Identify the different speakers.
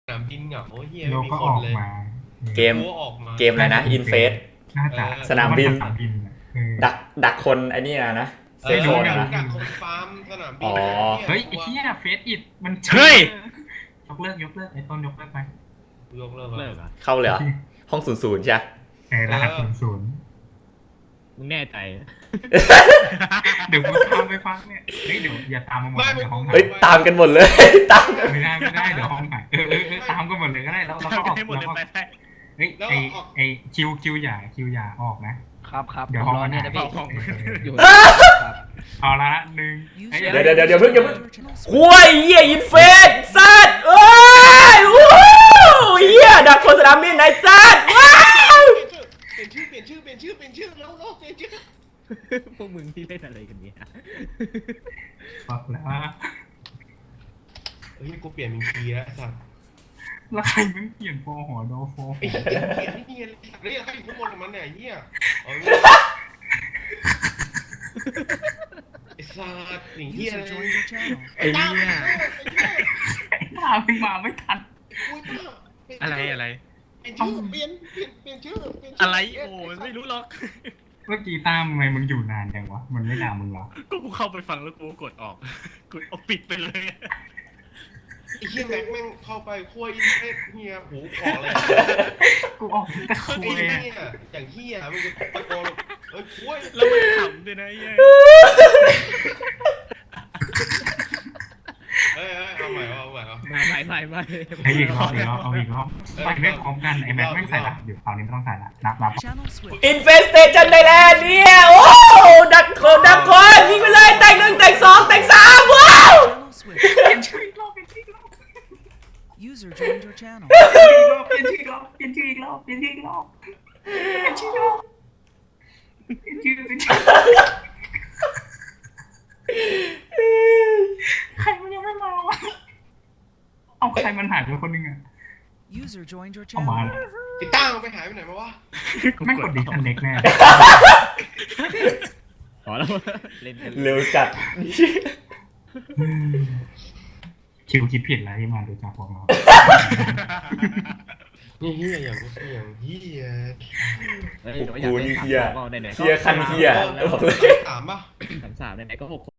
Speaker 1: นามบินเหงาเฮีย
Speaker 2: โล
Speaker 1: ไม่มี
Speaker 2: ก็
Speaker 1: ค
Speaker 2: อน อก
Speaker 1: เลย
Speaker 2: มา
Speaker 3: เกม
Speaker 1: รู้ว่าออกมา
Speaker 3: เกมอะไรนะอินเฟส
Speaker 2: น่าจะ
Speaker 3: สนามบิน
Speaker 2: สนามบินอะ
Speaker 3: ดักคนไอ้นี่นะเซฟโซน
Speaker 1: ดั
Speaker 3: นะ
Speaker 1: กคนฟาร์มสนามบิน
Speaker 3: อ๋อ
Speaker 2: เฮ้ยไอ้เหี้ยเฟสอิดมัน
Speaker 4: เฮ้ย
Speaker 2: ยกเลิกไอ้ต้นยกเลิกไป
Speaker 1: ยกเลิก
Speaker 4: เลิ
Speaker 1: แล้ว
Speaker 4: กเหรอ
Speaker 3: เข้าเลยเหรอห้อง00ใช่
Speaker 2: ไอ้รหัส00
Speaker 4: มึงแน่ใจ
Speaker 2: เดี๋ยวกูตามไปฟังเนี่ยเฮ้ยเดี๋ยวอย่าตามมาหมดเดี๋ยวห้องหาย
Speaker 3: เฮ้ยตามกันหมดเลย ตามกัน
Speaker 2: ไม่ได้เดี๋ยวห้องหายตามกันหมดเลยก็ได้แล้วก็ออก
Speaker 4: ให้หมดเลย
Speaker 2: แล้วก็
Speaker 4: ไปได้
Speaker 2: เฮ้ยไอคิวอย่าออกนะครับ
Speaker 5: ครับ
Speaker 2: เดี๋ยวห้อง
Speaker 5: รอ
Speaker 2: มัน
Speaker 5: เนี่ย
Speaker 2: หาย
Speaker 5: นะพี่
Speaker 4: ของ
Speaker 5: อยู่ ครับ
Speaker 2: เอาละหนึ่ง
Speaker 3: เดี๋ยวอย่าเพิ่งคุยเหี้ยอินเฟสสัตว์เอ้ยวู้เหี้ยดักคนสนามบินไหนสัตว์ว้าว
Speaker 1: เปลี่ยนชื่อแล้วเปลี่ยนชื่อเปลี่ยนชื่อ
Speaker 4: พวกมึงที่เล่นอะไรกันเนี่ย
Speaker 2: บอกแล้ว
Speaker 1: เฮ้ยกูเปลี่ยนเป็นคีย์แล้วสัตว์
Speaker 2: แล้วใครมึงเปลี่ยนโฟหอโดโฟ
Speaker 1: ไอ้เหี้ยเปลี่ยนไม่เนียนเลยใครอยู่ข้างบนกับมันเนี่ยเฮียไอ้สัตว์หนีเฮีย
Speaker 4: ไอ้เนี่ย
Speaker 2: ตามมึงมาไม่ทัน
Speaker 4: อะไร
Speaker 1: เปลี่ยนชื่อเปลี่ยนชื่อ
Speaker 4: อะไรโอ้ยไม่รู้หรอก
Speaker 2: เมื่อกี้ตามทำไมมึงอยู่นานจังวะมันไม่ด่ามึงหรอ
Speaker 4: ก็กูเข้าไปฟังแล้วกูกดออกกดเอาปิดไปเลย
Speaker 1: ไอ้เฮียแม็กแม่งเข้าไปคั่วอินเทสเฮียหูขอเลย
Speaker 2: กูออกแต่คุ
Speaker 1: ไอ้
Speaker 2: ย
Speaker 1: เฮียอย่างเฮียมึงจะตะโกนเอ้ยคั่ว
Speaker 4: แล้วมันขำด้วยนะไอ้เหี้ย
Speaker 1: เอ้ยเอาใหม่เอา
Speaker 4: ไม่
Speaker 2: ไอ้อีกรอบเอาอีกรอบไปไม่พร้อมกันไอ้แม็กไม่ใส่ละเดี๋ยวคราวนี้ไม่ต้องใส่ละนับ
Speaker 3: อินเฟสเตชันไทยแลนด์เนี่ยโอ้ดักคนยิงไปเลยแต่ง1แต่ง2แต่ง3ว้าว
Speaker 2: เป็นชื่ออีกรอบ
Speaker 6: User joined your channel.
Speaker 2: เป็นชื่ออีกรอบเป็นชื่ออีกรอบใครมันยังไม่มาวะเอาใครมันหายไปคนนึงอะ
Speaker 6: User joined your
Speaker 2: เอามา
Speaker 6: channel.
Speaker 1: ไอ้ตั้งไปหายไปไหนมาวะ
Speaker 2: ไม่กดดิสคันเน็กแน่
Speaker 4: ขอแล้วเล่นกัน
Speaker 3: เร็วจัด
Speaker 2: คิวคิดผิดแล้วที่มาดูจากพวกเรา
Speaker 1: นี่เฮียอย่างเฮีย
Speaker 3: กูนี่เฮียคันเฮียบอกเลย
Speaker 1: ถามป่ะ
Speaker 4: 33ไหนๆก็6